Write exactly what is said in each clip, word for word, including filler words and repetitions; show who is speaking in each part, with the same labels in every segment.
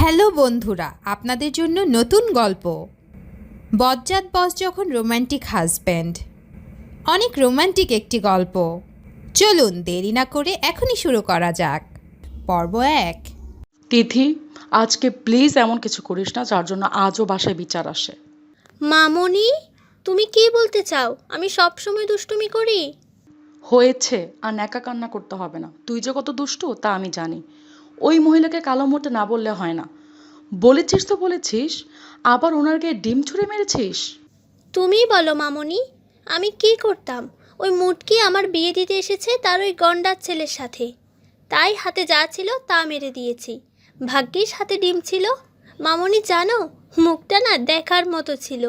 Speaker 1: Hello বন্ধুরা, আপনাদের জন্য নতুন গল্প। বজ্জাত বস যখন রোমান্টিক হাজব্যান্ড। অনেক রোমান্টিক একটি গল্প। চলুন দেরি না করে এখনই শুরু করা যাক। পর্ব এক।
Speaker 2: তিথি, আজকে প্লিজ এমন কিছু করিস না যার জন্য আজও বাসায় বিচার আসে।
Speaker 3: মামনি, তুমি কি বলতে চাও? আমি সব সময় দুষ্টুমি করি?
Speaker 2: হয়েছে, আর ন্যাকা কান্না করতে হবে না। তুই যে কত দুষ্টু তা আমি জানি। ওই মহিলাকে কালো মুহূর্তে না বললে হয় না। বলেছিস তো বলেছিস, আবার ওনার গায়ে ডিম ছুঁড়ে মেরেছিস।
Speaker 3: তুমিই বলো মামনি, আমি কি করতাম? ওই মুটকি আমার বিয়ে দিতে এসেছে তার ওই গন্ডার ছেলের সাথে, তাই হাতে যা ছিল তা মেরে দিয়েছি। ভাগ্যিস হাতে ডিম ছিল। মামনি জানো, মুখটা না দেখার মতো ছিল।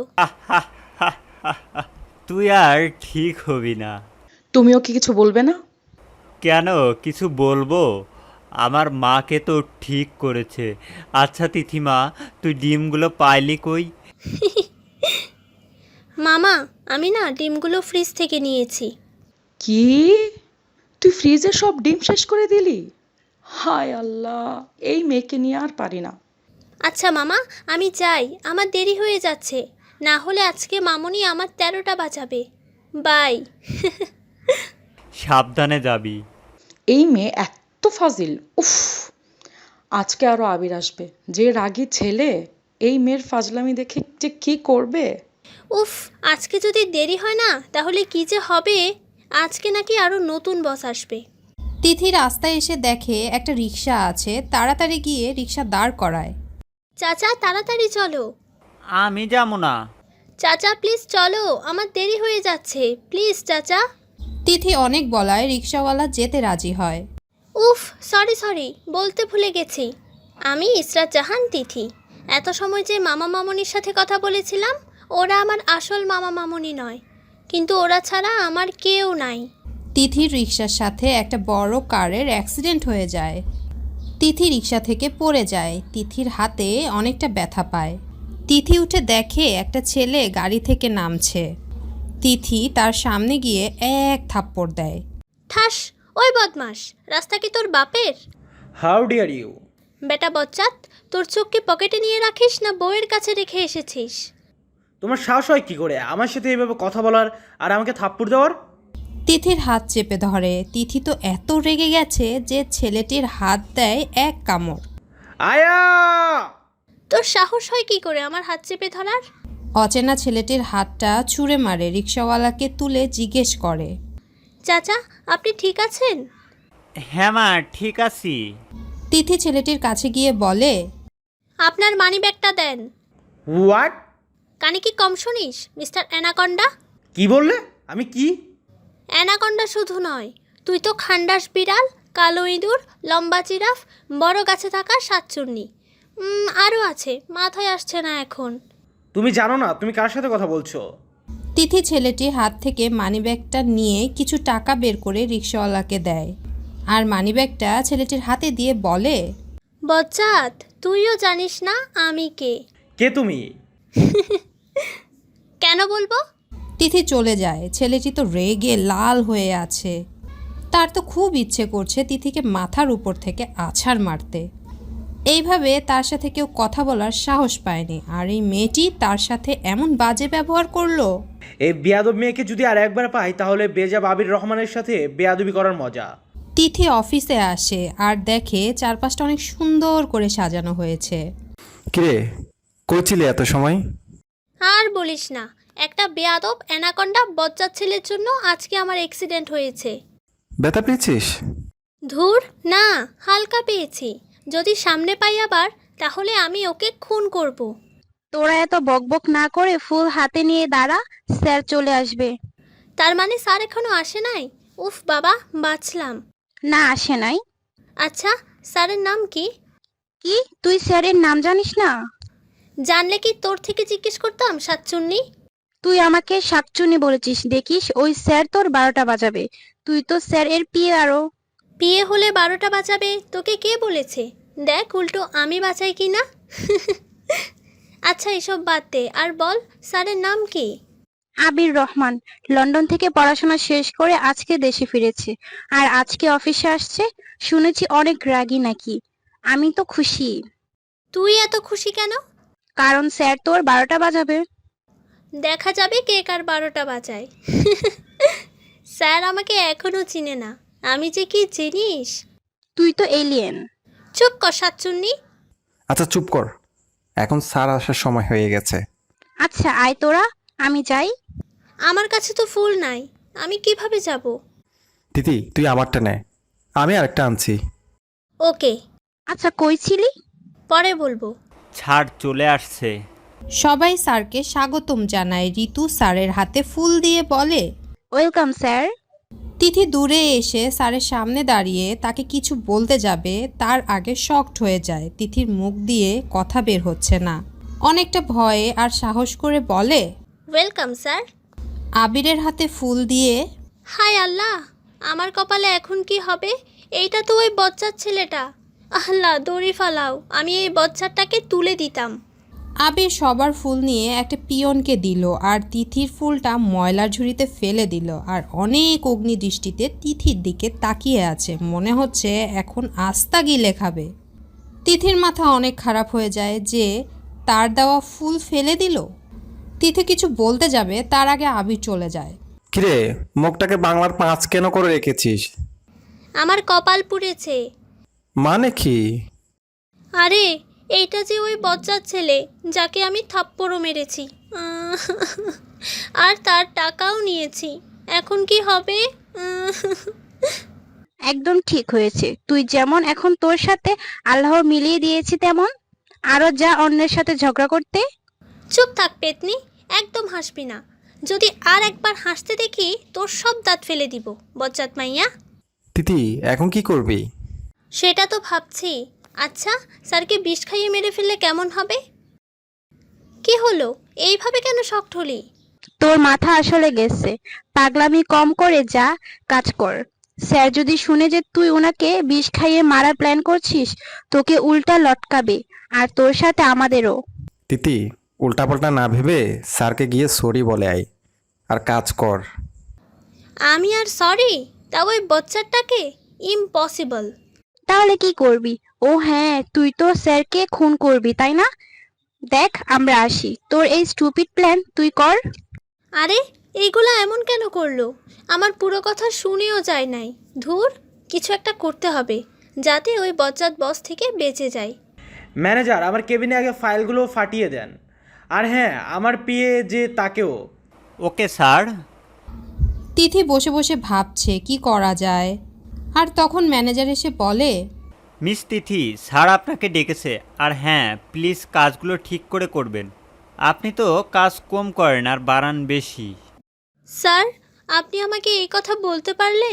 Speaker 4: তুই আর ঠিক হবি না।
Speaker 2: তুমিও কি কিছু বলবে না?
Speaker 4: কেন কিছু বলবো? আমার মাকে তো ঠিক করেছে। আচ্ছা তিথিমা, তুই ডিমগুলো পাইলি কই?
Speaker 3: মামা, আমি না ডিমগুলো ফ্রিজ থেকে নিয়েছি।
Speaker 2: কি? তুই ফ্রিজে সব ডিম শেষ করে দিলি? হায় আল্লাহ, এই মেয়েকে নিয়ে আর পারি না।
Speaker 3: আচ্ছা মামা, আমি যাই, আমার দেরি হয়ে যাচ্ছে। না হলে আজকে মামনি আমার তেরোটা বাঁচাবে। বাই।
Speaker 4: সাবধানে যাবি।
Speaker 2: এই মেয়ে এত ফাজিল, উফ। আজকে আরো আবির আসবে, যে রাগী ছেলে। এই মেয়ের ফাজলামি দেখে যে কি করবে।
Speaker 3: উফ, আজকে যদি দেরি হয় না তাহলে কি যে হবে। আজকে নাকি আরো নতুন বস আসবে।
Speaker 1: তিথি রাস্তায় এসে দেখে একটা রিক্সা আছে, তাড়াতাড়ি গিয়ে রিক্সা দাঁড় করায়।
Speaker 3: চাচা তাড়াতাড়ি চলো।
Speaker 4: আমি যাবো না।
Speaker 3: চাচা প্লিজ চলো, আমার দেরি হয়ে যাচ্ছে, প্লিজ চাচা।
Speaker 1: তিথি অনেক বলায় রিক্সাওয়ালা যেতে রাজি হয়।
Speaker 3: উফ, সরি সরি, বলতে ভুলে গেছি। আমি ইসরাত জাহান তিথি। এত সময় যে মামা মামনির সাথে কথা বলেছিলাম, ওরা আমার আসল মামা মামনি নয়, কিন্তু ওরা ছাড়া আমার কেউ নাই।
Speaker 1: তিথির রিক্সার সাথে একটা বড় কারের অ্যাক্সিডেন্ট হয়ে যায়। তিথি রিক্সা থেকে পড়ে যায়। তিথির হাতে অনেকটা ব্যথা পায়। তিথি উঠে দেখে একটা ছেলে গাড়ি থেকে নামছে। তিথি তার সামনে গিয়ে এক থাপ্পড় দেয়।
Speaker 3: ঠাস, ওই বদমাস, রাস্তা কি তোর বাপের?
Speaker 5: How dare you!
Speaker 3: বেটা বচ্চাত, তোর চোখ কি পকেটে নিয়ে রাখিস না বউয়ের কাছে রেখে এসেছিস?
Speaker 5: তোমার সাহস হয় কি করে আমার সাথে এইভাবে কথা বলার আর আমাকে থাপ্পড় দেওয়ার?
Speaker 1: তিথির হাত চেপে ধরে। তিথি তো এত রেগে গেছে যে ছেলেটির হাত দেয় এক কামড়।
Speaker 5: আয়া!
Speaker 3: তোর সাহস হয় কি করে আমার হাত চেপে ধরার?
Speaker 1: অচেনা ছেলেটির হাতটা ছুঁড়ে মারে। রিক্সাওয়ালাকে তুলে জিজ্ঞেস করে,
Speaker 3: চাচা আপনি ঠিক আছেন?
Speaker 4: হ্যাঁ মা, ঠিক আছি।
Speaker 1: তিথি ছেলেটির কাছে গিয়ে বলে,
Speaker 3: আপনার মানি ব্যাগটা দেন।
Speaker 5: হোয়াট?
Speaker 3: কানে কি কম শুনিস মিস্টার অ্যানাকন্ডা?
Speaker 5: কি বললে? আমি কি?
Speaker 3: অ্যানাকন্ডা শুধু নয়, তুই তো খান্ডাস বিড়াল, কালো ইঁদুর, লম্বা জিরাফ, বড় গাছে থাকা সাতচুন্নি, আরও আছে, মাথায় আসছে না এখন।
Speaker 5: তুমি জানো না তুমি কার সাথে কথা বলছো?
Speaker 1: তিথি ছেলেটির হাত থেকে মানিব্যাগটা নিয়ে কিছু টাকা বের করে রিক্সাওয়ালাকে দেয়, আর মানিব্যাগটা ছেলেটির হাতে দিয়ে বলে,
Speaker 3: বচ্চাত, তুইও জানিস না আমি কে?
Speaker 5: কে তুমি?
Speaker 3: কেন বলবো?
Speaker 1: তিথি চলে যায়। ছেলেটি তো রেগে লাল হয়ে আছে। তার তো খুব ইচ্ছে করছে তিথিকে মাথার উপর থেকে আছাড় মারতে। এইভাবে তার সাথে কেউ কথা বলার সাহস পায়নি, আর এই মেয়েটি তার সাথে এমন বাজে ব্যবহার করলো।
Speaker 5: এই বেয়াদব মেয়েকে যদি আর একবার পাই তাহলে বেজাব আবির রহমানের সাথে বেয়াদবি করার মজা।
Speaker 1: তিথি অফিসে আসে আর দেখে চারপাশটা অনেক সুন্দর করে সাজানো হয়েছে।
Speaker 6: কিরে, কই ছিলে এত সময়?
Speaker 3: আর বলিস না, একটা বেয়াদব অ্যানাকন্ডা বজ্জাত ছেলের জন্য আজকে আমার অ্যাক্সিডেন্ট হয়েছে।
Speaker 6: ব্যথা পেয়েছিস?
Speaker 3: ধুর না, হালকা পেয়েছি। যদি সামনে পাই আবার, তাহলে আমি ওকে খুন করব।
Speaker 7: তোরা এত বকবক না করে ফুল হাতে নিয়ে দাঁড়া, স্যার চলে আসবে।
Speaker 3: তার মানে স্যার এখনো আসে নাই? উফ বাবা, বাঁচলাম।
Speaker 7: না, আসে নাই।
Speaker 3: আচ্ছা, স্যারের নাম কি?
Speaker 7: কি, তুই স্যারের নাম জানিস না?
Speaker 3: জানলে কি তোর থেকে জিজ্ঞেস করতাম সাতচুন্নি?
Speaker 7: তুই আমাকে শাকচুনি বলেছিস, দেখিস ওই স্যার তোর বারোটা বাজাবে। তুই তো স্যার এর পিয়ে। আরো
Speaker 3: বিয়ে হলে বারোটা বাজাবে তোকে কে বলেছে? দেখ উল্টো আমি বাঁচাই কি না। আচ্ছা এসব বাদ দে, আর বল স্যারের নাম কি?
Speaker 7: আবির রহমান। লন্ডন থেকে পড়াশোনা শেষ করে আজকে দেশে ফিরেছে, আর আজকে অফিসে আসছে। শুনেছি অনেক রাগী নাকি। আমি তো খুশি।
Speaker 3: তুই এত খুশি কেন?
Speaker 7: কারণ স্যার তোর বারোটা বাজাবে।
Speaker 3: দেখা যাবে কে কার বারোটা বাজায়। স্যার আমাকে এখনো চিনে না, আমি যে কি জিনিস।
Speaker 7: তুই তো এলিয়েন।
Speaker 3: চুপ কর সাতচুন্নি।
Speaker 6: আচ্ছা চুপ কর, এখন স্যার আসার সময় হয়ে গেছে।
Speaker 7: আচ্ছা আয় তোরা, আমি যাই।
Speaker 3: আমার কাছে তো ফুল নাই, আমি কিভাবে যাব?
Speaker 6: তিথি তুই আমারটা নে, আমি আরেকটা আনছি।
Speaker 3: ওকে,
Speaker 7: আচ্ছা কই ছিলি?
Speaker 3: পরে বলবো।
Speaker 4: ছাড় চলে আসছে।
Speaker 1: সবাই স্যারকে স্বাগতম জানায়। ঋতু স্যারের হাতে ফুল দিয়ে বলে,
Speaker 7: ওয়েলকাম স্যার।
Speaker 1: তিথি দূরে এসে স্যারের সামনে দাঁড়িয়ে তাকে কিছু বলতে যাবে, তার আগে শকড হয়ে যায়। তিথির মুখ দিয়ে কথা বের হচ্ছে না, অনেকটা ভয়ে আর সাহস করে বলে,
Speaker 3: ওয়েলকাম স্যার।
Speaker 1: আবিরের হাতে ফুল দিয়ে।
Speaker 3: হায় আল্লাহ, আমার কপালে এখন কি হবে? এইটা তো ওই বচ্চার ছেলেটা। আল্লাহ দড়ি ফালাও, আমি এই বচ্চাটাকে তুলে দিতাম।
Speaker 1: আবির সবার ফুল নিয়ে একটা পিয়নকে দিল আর তিথির ফুলটা ময়লার ঝুড়িতে ফেলে দিল, আর অনেক অগ্নিদৃষ্টিতে তিথির দিকে তাকিয়ে আছে, মনে হচ্ছে এখন আস্তা গিলে খাবে। তিথির মাথা অনেক খারাপ হয়ে যায় যে তার দেওয়া ফুল ফেলে দিল। তিথি কিছু বলতে যাবে, তার আগে আবির চলে যায়।
Speaker 6: কিরে, মুখটাকে বাংলার পাঁচ কেন করে রেখেছিস?
Speaker 3: আমার কপাল পুড়েছে।
Speaker 6: মানে কি?
Speaker 3: আরে এইটা যে ওই বচ্চার ছেলে যাকে আমি থাপ্পড়ও মেরেছি, আর তার টাকাও নিয়েছি। এখন কি হবে?
Speaker 7: একদম ঠিক হয়েছে, তুই যেমন এখন তোর সাথে আল্লাহ মিলিয়ে দিয়েছি, তেমন আরো যা অন্যের সাথে ঝগড়া করতে।
Speaker 3: চুপ থাক পেতনি, একদম হাসবি না। যদি আর একবার হাসতে দেখি তোর সব দাঁত ফেলে দিব, বচ্চাত মাইয়া।
Speaker 6: তিথি এখন কি করবি?
Speaker 3: সেটা তো ভাবছি। আচ্ছা, স্যারকে বিষ খাইয়ে মেরে ফেললে কেমন হবে? কি হলো, এইভাবে কেন শকড হলি?
Speaker 7: তোর মাথা আসলে গেছে, পাগলামি কম করে যা কাজ কর। স্যার যদি শুনে যে তুই ওনাকে বিষ খাইয়ে মারার প্ল্যান করছিস, তোকে উল্টা লটকাবে, আর তোর সাথে আমাদেরও।
Speaker 6: তিথি উল্টাপাল্টা না ভেবে স্যারকে গিয়ে সরি বলে আয় আর কাজ কর।
Speaker 3: আমি আর সরি? তা ওই বচ্চাটাকে? ইম্পসিবল।
Speaker 7: তাহলে কি করবি? ও হ্যাঁ, তুই তো স্যারকে খুন করবি, তাই না? দেখ আমরা আসি, তোর এই স্টুপিড প্ল্যান তুই কর।
Speaker 3: আরে এইগুলা এমন কেন করলো? আমার পুরো কথা শুনেও যায় নাই। ধুর, কিছু একটা করতে হবে যাতে ওই বজ্জাত বস থেকে বেঁচে যায়।
Speaker 5: ম্যানেজার, আমার কেবিনে আগে ফাইলগুলো ফাটিয়ে দেন। আর হ্যাঁ, আমার পিএ যে তাকেও।
Speaker 4: Okay sir.
Speaker 1: তিথি বসে বসে ভাবছে কি করা যায়, আর তখন ম্যানেজার এসে বলে,
Speaker 4: মিস তিথি, স্যার আপনাকে ডেকেছে। আর হ্যাঁ, প্লিজ কাজগুলো ঠিক করে করবেন। আপনি তো কাজ কম করেন আর বাড়ান বেশি।
Speaker 3: স্যার, আপনি আমাকে এই কথা বলতে পারলেন?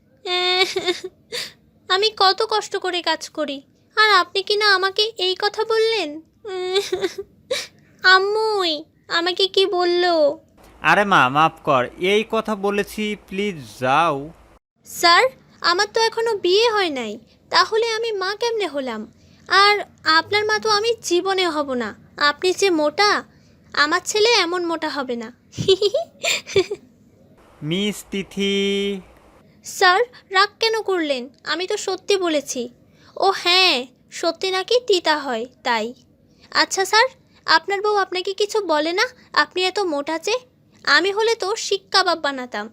Speaker 3: আমি কত কষ্ট করে কাজ করি, আর আপনি কি না আমাকে এই কথা বললেন? আম্মুই আমাকে কি বললো?
Speaker 4: আরে মা, মাফ কর, এই কথা বলেছি, প্লিজ যাও।
Speaker 3: স্যার, আমার তো এখনো বিয়ে হয় নাই, তাহলে আমি মা কেমনে হলাম? আর আপনার মা তো আমি জীবনে হব না। আপনি যে মোটা, আমার ছেলে এমন মোটা হবে না।
Speaker 4: মিস তিথি।
Speaker 3: স্যার, রাগ কেন করলেন? আমি তো সত্যি বলেছি। ও হ্যাঁ, সত্যি নাকি তিতা হয় তাই। আচ্ছা স্যার, আপনার বউ আপনাকে কিছু বলে না আপনি এত মোটা যে? আমি হলে তো শিক কাবাব বানাতাম।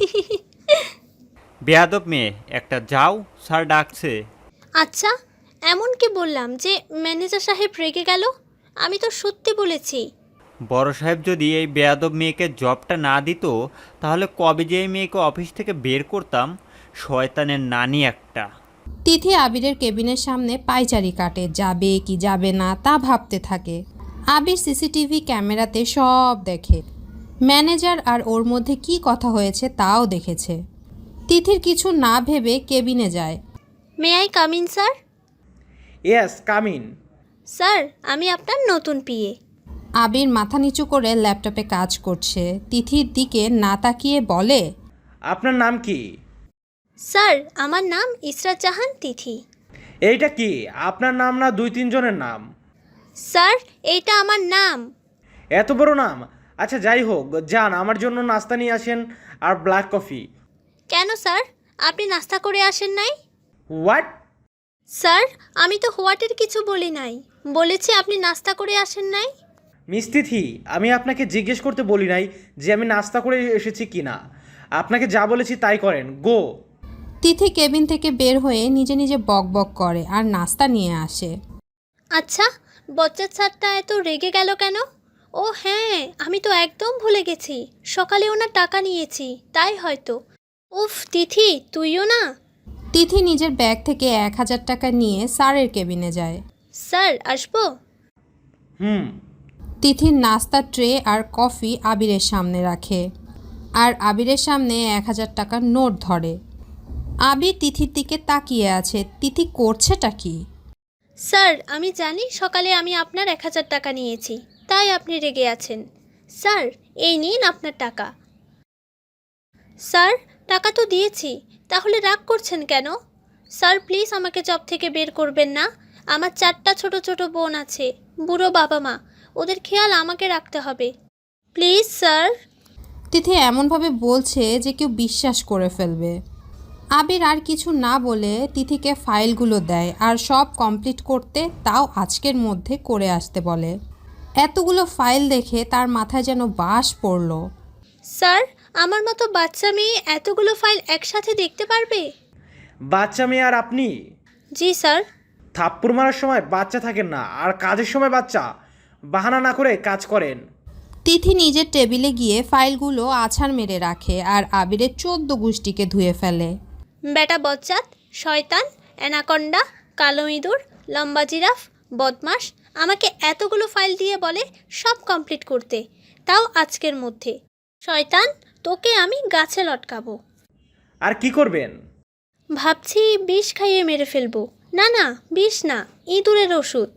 Speaker 4: বেয়াদব মেয়ে একটা, যাও, স্যার ডাকছে।
Speaker 3: আচ্ছা, এমন কি বললাম যে ম্যানেজার সাহেব রেগে গেল? আমি তো সত্যি বলেছি।
Speaker 4: বড় সাহেব যদি এই বেয়াদব মেয়েকে জবটা না দিত, তাহলে কবে যে এই মেয়েকে অফিস থেকে বের করতাম। শয়তানের নানি একটা।
Speaker 1: তিথি আবিরের কেবিনের সামনে পায়চারি কাটে, যাবে কি যাবে না তা ভাবতে থাকে। আবির সিসিটিভি ক্যামেরাতে সব দেখে, ম্যানেজার আর ওর মধ্যে কি কথা হয়েছে তাও দেখেছে। তিথির কিছু না ভেবে কেবিনে যায়।
Speaker 3: May I come in sir?
Speaker 5: Yes, come in.
Speaker 3: Sir, আমি আপনার নতুন পিএ।
Speaker 1: আবির মাথা নিচু করে ল্যাপটপে কাজ করছে, তিথির দিকে না তাকিয়ে বলে,
Speaker 5: আপনার নাম কি?
Speaker 3: স্যার, আমার নাম ইসরাত জাহান তিথি।
Speaker 5: এইটা কি আপনার নাম না দুই তিনজনের নাম?
Speaker 3: স্যার, এইটা আমার নাম।
Speaker 5: এত বড় নাম? আচ্ছা যাই হোক, যান আমার জন্য নাস্তা নিয়ে আসেন আর ব্ল্যাক কফি।
Speaker 3: কেন স্যার, আপনি নাস্তা করে আসেন নাই?
Speaker 5: হোয়াট?
Speaker 3: স্যার, আমি তো হোয়াটের কিছু বলি নাই। বলেছি আপনি নাস্তা করে আসেন নাই।
Speaker 5: মিস তিথি, আমি আপনাকে জিজ্ঞেস করতে বলি নাই যে আমি নাস্তা করে এসেছি কিনা। আপনাকে যা বলেছি তাই করেন, গো।
Speaker 1: তিথি কেবিন থেকে বের হয়ে নিজে নিজে বক বক করে আর নাস্তা নিয়ে আসে।
Speaker 3: আচ্ছা, বচ্চার স্যারটা এত রেগে গেল কেন? ও হ্যাঁ, আমি তো একদম ভুলে গেছি, সকালে ওনার টাকা নিয়েছি, তাই হয়তো। উফ তিথি, তুইও না।
Speaker 1: তিথি নিজের ব্যাগ থেকে এক হাজার টাকা নিয়ে স্যারের কেবিনে যায়।
Speaker 3: স্যার আসবো?
Speaker 5: হুম।
Speaker 1: তিথির নাস্তা ট্রে আর কফি আবিরের সামনে রাখে আর আবিরের সামনে এক হাজার টাকার নোট ধরে। আবির তিথির দিকে তাকিয়ে আছে, তিথি করছেটা কি?
Speaker 3: স্যার আমি জানি সকালে আমি আপনার এক হাজার টাকা নিয়েছি, তাই আপনি রেগে আছেন। স্যার এই নিন আপনার টাকা। স্যার টাকা তো দিয়েছি, তাহলে রাগ করছেন কেন? স্যার প্লিজ আমাকে জব থেকে বের করবেন না। আমার চারটা ছোট ছোট বোন আছে, বুড়ো বাবা মা, ওদের খেয়াল আমাকে রাখতে হবে, প্লিজ স্যার।
Speaker 1: তিথি এমনভাবে বলছে যে কেউ বিশ্বাস করে ফেলবে। আবির আর কিছু না বলে তিথিকে ফাইলগুলো দেয় আর সব কমপ্লিট করতে, তাও আজকের মধ্যে করে আসতে বলে। এতগুলো ফাইল দেখে তার মাথায় যেন বাস পড়ল।
Speaker 3: স্যার আমার মতো বাচ্চা মেয়ে এতগুলো ফাইল একসাথে দেখতে পারবে?
Speaker 5: বাচ্চা মেয়ে আর আপনি?
Speaker 3: জি স্যার।
Speaker 5: থাপ্পড় মারার সময় বাচ্চা থাকেন না, আর কাজের সময় বাচ্চা। বাহানা না করে কাজ করেন।
Speaker 1: তিথি নিজের টেবিলে গিয়ে ফাইলগুলো আছাড় মেরে রাখে আর আবিরের চোদ্দ গুষ্টিকে ধুয়ে ফেলে।
Speaker 3: বেটা বজ্জাত, শয়তান, অ্যানাকন্ডা, কালো ইঁদুর, লম্বা জিরাফ, বদমাস, আমাকে এতগুলো ফাইল দিয়ে বলে সব কমপ্লিট করতে, তাও আজকের মধ্যে। শয়তান, তোকে আমি গাছে লটকাবো।
Speaker 5: আর কি করবেন?
Speaker 3: ভাবছি বিষ খাইয়ে মেরে ফেলবো। না না, বিষ না, ইঁদুরের ওষুধ।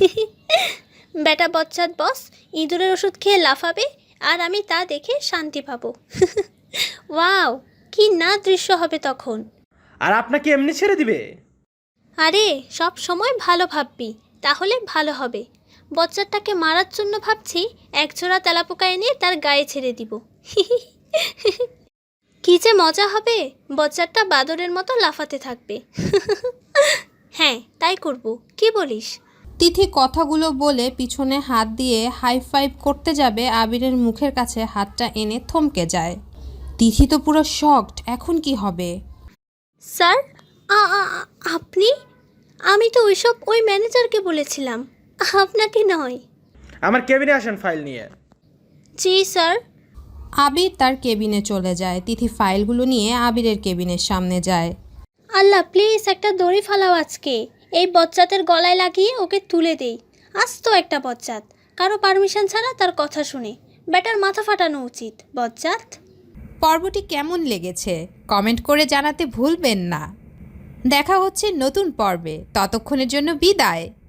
Speaker 3: বেটা বজ্জাত বস, ইঁদুরের ওষুধ খেয়ে লাফাবে আর আমি তা দেখে শান্তি পাবো। ওয়াও, কি না দৃশ্য হবে তখন।
Speaker 5: আর আপনাকে এমনি ছেড়ে দিবে?
Speaker 3: আরে সব সময় ভালো ভাববি, তাহলে ভালো হবে। বচ্চাটাকে মারার জন্য ভাবছি একজোড়া তেলাপোকা এনে তার গায়ে ছেড়ে দিব। কি যে মজা হবে, বচ্চাটা বাদরের মতো লাফাতে থাকবে। হ্যাঁ তাই করব, কি বলিস?
Speaker 1: তিথি কথাগুলো বলে পিছনে হাত দিয়ে হাই ফাইভ করতে যাবে, আবিরের মুখের কাছে হাতটা এনে থমকে যায়। তিথি তো পুরো শকড, এখন কি হবে?
Speaker 3: স্যার আ- আ- আপনি? আমি তো ওইসব ওই ম্যানেজারকে বলেছিলাম, আপনাকে নয়।
Speaker 5: আমার কেবিনে আসেন ফাইল নিয়ে।
Speaker 3: জি স্যার।
Speaker 1: আবির তার কেবিনে চলে যায়। তিথি ফাইলগুলো নিয়ে আবিরের কেবিনের সামনে যায়।
Speaker 3: আল্লাহ প্লিজ একটা দড়ি ফালাও আজকে, এই বচ্চাতের গলায় লাগিয়ে ওকে তুলে দেই। আজ তো একটা বচ্চাত, কারো পারমিশন ছাড়া তার কথা শুনে, ব্যাটার মাথা ফাটানো উচিত। বচ্চাত।
Speaker 1: পর্বটি কেমন লেগেছে কমেন্ট করে জানাতে ভুলবেন না। দেখা হচ্ছে নতুন পর্বে, ততক্ষণের জন্য বিদায়।